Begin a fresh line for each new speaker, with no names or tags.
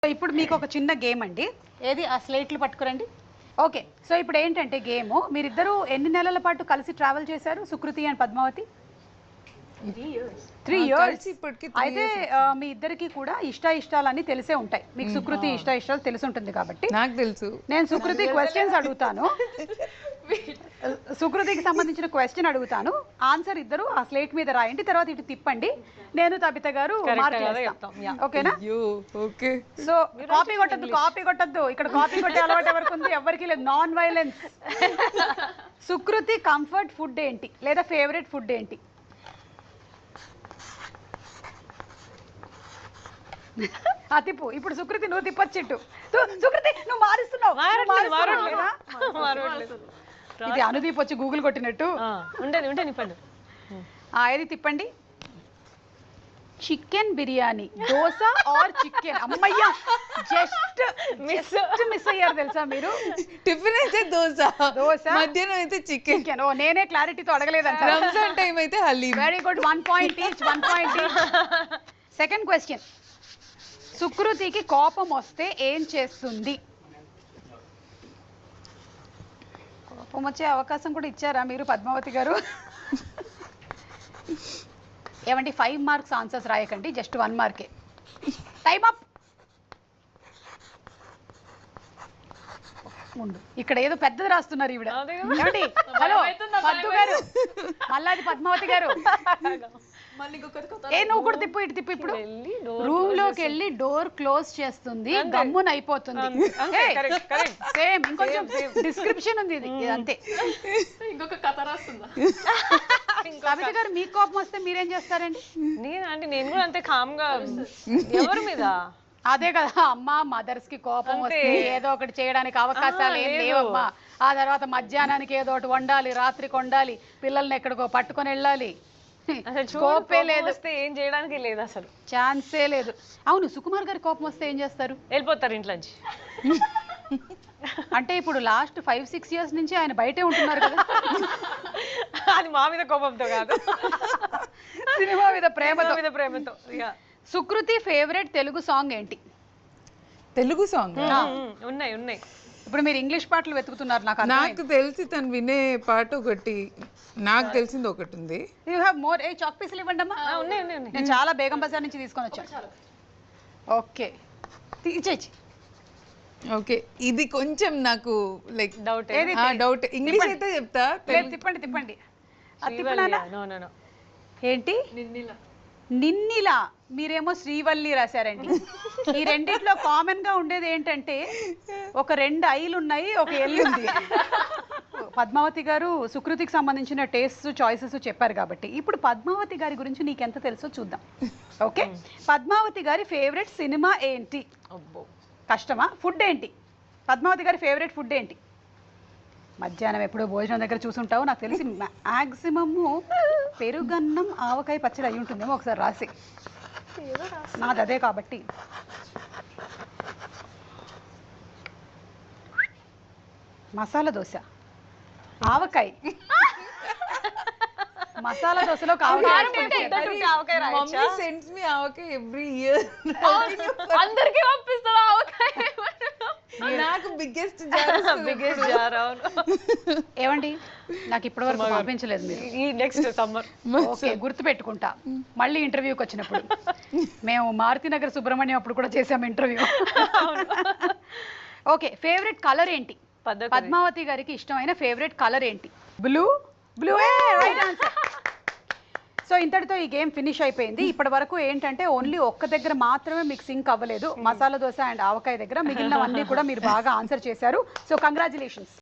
ఇప్పుడు మీకు ఒక చిన్న గేమ్ అండి. ఏది ఆ స్లేట్లు పట్టుకురండి. ఓకే, సో ఇప్పుడు ఏంటంటే గేమ్, మీరిద్దరూ ఎన్ని నెలల పాటు కలిసి ట్రావెల్ చేశారు, సుకృతి అండ్ పద్మావతి? 3 years. అయితే మీ ఇద్దరికి కూడా ఇష్టాలన్నీ తెలిసే ఉంటాయి. మీకు సుకృతి ఇష్టాలు తెలిసి ఉంటుంది కాబట్టి
నాకు తెలుసు.
నేను సుకృతి క్వశ్చన్స్ అడుగుతాను, సుకృతికి సంబంధించిన క్వశ్చన్ అడుగుతాను, ఆన్సర్ ఇద్దరు ఆ స్లేట్ మీద రాయండి, తర్వాత ఇటు తిప్పండి, నేను తబిత గారు ఓకేనా?
ఓకే.
సో కాపీ కొట్టద్దు, ఇక్కడ కాపీ కొట్టే అలవాటు ఎవరికి ఉంది? ఎవరికి లేదు. Non violence. Sukruti comfort food ఏంటి లేదా ఫేవరెట్ ఫుడ్ ఏంటి? తిప్పు. ఇప్పుడు సుకృతి నువ్వు తిప్పొచ్చిట్టు. సుకృతి నువ్వు మారుస్తున్నావు. ఇది అనుదీప్ వచ్చి గూగుల్ కొట్టినట్టు. ఏది తిప్పండి. Chicken biryani, dosa or chicken? అమ్మయ్యా, జస్ట్ మిస్ అయ్యారు తెలుసా మీరు.
టిఫిన్ అయితే దోశ, మధ్యాహ్నం అయితే చికెన్.
ఓ నేనే క్లారిటీతో అడగలేదంట.
రంజాన్ టైం అయితే haleem.
Very good, 1 point each. Second question, సుకృతికి కోపం వస్తే ఏం చేస్తుంది? కోపం వచ్చే అవకాశం కూడా ఇచ్చారా మీరు పద్మావతి గారు? ఏమండి 5 marks ఆన్సర్స్ రాయకండి, జస్ట్ 1 mark. Time up. ఇక్కడ ఏదో పెద్దది రాస్తున్నారు ఈవిడ. ఏమండి, హలో పద్దు గారు, మళ్ళీ పద్మావతి గారు, నువ్వు కూడా తిప్పు, ఇటు తిప్పు. ఇప్పుడు రూమ్ లోకి వెళ్ళి డోర్ క్లోజ్ చేస్తుంది, గమ్మున అయిపోతుంది. సేమ్, ఇంకొంచెం డిస్క్రిప్షన్ ఉంది ఇది అంతే.
ఇంకొక కథ రాస్తుందా?
కవిత గారు, మీకు కోపం వస్తే మీరేం చేస్తారండి?
నేను కూడా అంతే కామ్ గా. ఎవరి మీద?
అదే కదా అమ్మా, మదర్స్ కి కోపం వస్తే ఏదో ఒకటి చేయడానికి అవకాశాలు ఏం లేవమ్మా. ఆ తర్వాత మధ్యాహ్నానికి ఏదో ఒకటి వండాలి, రాత్రికి వండాలి, పిల్లల్ని ఎక్కడికో పట్టుకొని వెళ్ళాలి. కోపే లేదు,
ఏం చేయడానికి లేదు, అసలు
ఛాన్సే లేదు. అవును, సుకుమార్ గారి కోపం వస్తే ఏం చేస్తారు?
వెళ్ళిపోతారు ఇంట్లోంచి.
అంటే ఇప్పుడు లాస్ట్ 5-6 years నుంచి ఆయన బయటే ఉంటున్నారు కదా.
అది మా మీద కోపంతో కాదు,
సినిమా మీద ప్రేమతో. సుకృతి ఫేవరెట్ తెలుగు సాంగ్ ఏంటి?
తెలుగు సాంగ్
ఉన్నాయి.
ఇప్పుడు మీరు ఇంగ్లీష్ పాటలు వెతుకుతున్నారు.
నాకు తెలిసి తను వినే పాట ఒకటి, నాకు తెలిసింది ఒకటి ఉంది.
You have more. చాక్ పీసులు ఇవ్వండి అమ్మా.
ఉన్నాయి.
నేను చాలా బేగం బజార్ నుంచి తీసుకొని వచ్చాను. ఓకే, ఇచ్చేయి.
ఓకే, ఇది కొంచెం నాకు లైక్
డౌట్.
ఇంగ్లీష్ అయితే చెప్తా.
తిప్పండి. ఏంటి? నిన్నిలా. మీరేమో శ్రీవల్లి రాశారండి. ఈ రెండిట్లో కామన్ గా ఉండేది ఏంటంటే ఒక 2 ఐలు ఉన్నాయి, ఒక ఎల్లు ఉంది. పద్మావతి గారు సుకృతికి సంబంధించిన టేస్ట్ చాయిసెస్ చెప్పారు కాబట్టి ఇప్పుడు పద్మావతి గారి గురించి నీకెంత తెలుసో చూద్దాం. ఓకే, పద్మావతి గారి ఫేవరెట్ సినిమా ఏంటి? కష్టమా? ఫుడ్ ఏంటి? పద్మావతి గారి ఫేవరెట్ ఫుడ్ ఏంటి? మధ్యాహ్నం ఎప్పుడో భోజనం దగ్గర చూసుంటావు, నాకు తెలిసి మ్యాక్సిమము పెరుగన్నం ఆవకాయ పచ్చడి అయి ఉంటుందేమో, ఒకసారి రాసి. నాది అదే కాబట్టి. మసాలా దోశ, ఆవకాయ. మసాలా దోశలో
ఎవ్రీ ఇయర్
అందరికి పంపిస్తారు ఆవకాయ.
నాకు బిగ్గెస్ట్
జార్.
ఏమండి, నాకు ఇప్పటి వరకు పంపించలేదు మీరు.
ఈ నెక్స్ట్ సమ్మర్.
ఓకే, గుర్తు పెట్టుకుంటా. మళ్ళీ ఇంటర్వ్యూకి వచ్చినప్పుడు. మేము మారుతినగర్ సుబ్రహ్మణ్యం అప్పుడు కూడా చేసాము ఇంటర్వ్యూ. ఓకే, ఫేవరెట్ కలర్ ఏంటి? పద్మావతి గారికి ఇష్టమైన ఫేవరెట్ కలర్ ఏంటి? బ్లూ. Right answer. సో ఇంతటితో ఈ గేమ్ ఫినిష్ అయిపోయింది. ఇప్పటి వరకు ఏంటంటే ఓన్లీ ఒక్క దగ్గర మాత్రమే మీకు సింక్ అవ్వలేదు, మసాలా దోశ అండ్ ఆవకాయ దగ్గర. మిగిలినవన్నీ కూడా మీరు బాగా ఆన్సర్ చేశారు. So congratulations.